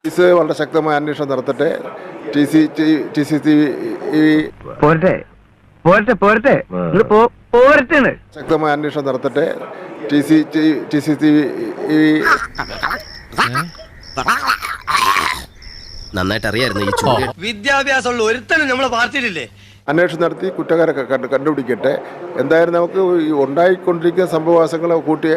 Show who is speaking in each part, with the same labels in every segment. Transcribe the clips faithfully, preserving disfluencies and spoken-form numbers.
Speaker 1: Police വളരെ ശക്തമായ അന്വേഷണം നടത്തട്ടെ. T C T C T
Speaker 2: പോരട്ടെ പോരട്ടെ പോരട്ടെ പോരട്ടെ
Speaker 1: ശക്തമായ അന്വേഷണം നടത്തട്ടെ. T C T C T
Speaker 3: നന്നായിട്ട് അറിയായിരുന്നു ഈ ചോദ്യം.
Speaker 4: വിദ്യാഭ്യാസമുള്ള ഒരുത്തനും നമ്മളെ പാർട്ടിയിലില്ലേ?
Speaker 1: അന്വേഷണം നടത്തി കുറ്റക്കാരെ കണ്ട് കണ്ടുപിടിക്കട്ടെ. എന്തായാലും നമുക്ക് ഈ ഉണ്ടായിക്കൊണ്ടിരിക്കുന്ന സംഭവവാസങ്ങളെ കൂട്ടി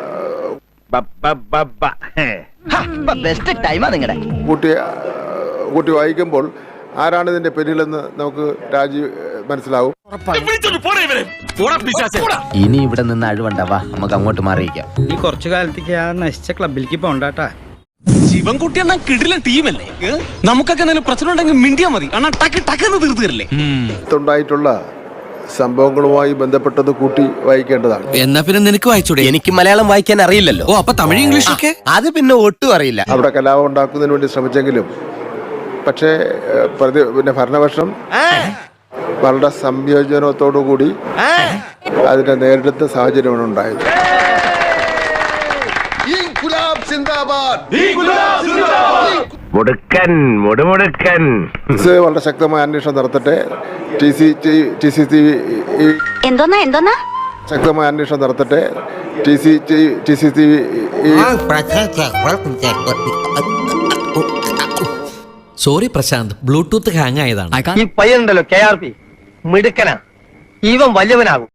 Speaker 2: ബെസ്റ്റ് ടൈമാ നിങ്ങളുടെ
Speaker 1: കൂട്ടി കൂട്ടി വായിക്കുമ്പോൾ ആരാണ് ഇതിന്റെ പിന്നിലെന്ന് നമുക്ക് രാജി മനസ്സിലാവും.
Speaker 3: ഇനി ഇവിടെ നിന്ന് അഴിവണ്ടാവാ, നമുക്ക് അങ്ങോട്ട് മാറിയിക്കാം.
Speaker 5: ഈ കുറച്ചു കാലത്തേക്ക് ആ നശിച്ച ക്ലബിലേക്ക് പോണ്ടാട്ടാ.
Speaker 4: ശിവൻകുട്ടി എന്ന കിടില ടീമല്ലേ? നമുക്കൊക്കെ എന്തെങ്കിലും പ്രശ്നം ഉണ്ടെങ്കിൽ മിണ്ടിയാ മതി. അണ്ണാ ടക്ക് ടക്കെന്ന് തീർത്തു തരില്ലേ?
Speaker 1: ഉണ്ടായിട്ടുള്ള സംഭവങ്ങളുമായി ബന്ധപ്പെട്ടത് കൂട്ടി വായിക്കേണ്ടതാണ്.
Speaker 6: എന്നാ പിന്നെ നിനക്ക് വായിച്ചൂടെ?
Speaker 3: എനിക്ക് മലയാളം വായിക്കാൻ അറിയില്ലല്ലോ.
Speaker 6: ഓ, അപ്പൊ തമിഴ് ഇംഗ്ലീഷ് ഒക്കെ
Speaker 3: അത് പിന്നെ ഒട്ടും അറിയില്ല.
Speaker 1: അവിടെ കലാപം ഉണ്ടാക്കുന്നതിന് വേണ്ടി ശ്രമിച്ചെങ്കിലും പക്ഷേ പ്രതി പിന്നെ ഭരണപക്ഷം വളരെ സംയോജനത്തോടു കൂടി അതിനെ നേരിടുന്ന സാഹചര്യമാണ് ഉണ്ടായത്. പോലീസ് വളരെ ശക്തമായ അന്വേഷണം നടത്തട്ടെ. T C T C T
Speaker 7: എന്തോന്നാ എന്തോന്നാ
Speaker 1: ശക്തമായ അന്വേഷണം നടത്തട്ടെ. T C T C T
Speaker 6: sorry Prashanth, Bluetooth hang ആയതാണ്.
Speaker 2: ഈ പയ്യനുണ്ടല്ലോ കെ ആർ പി മിടുക്കനാ, ഇവൻ വലിയവനാകും.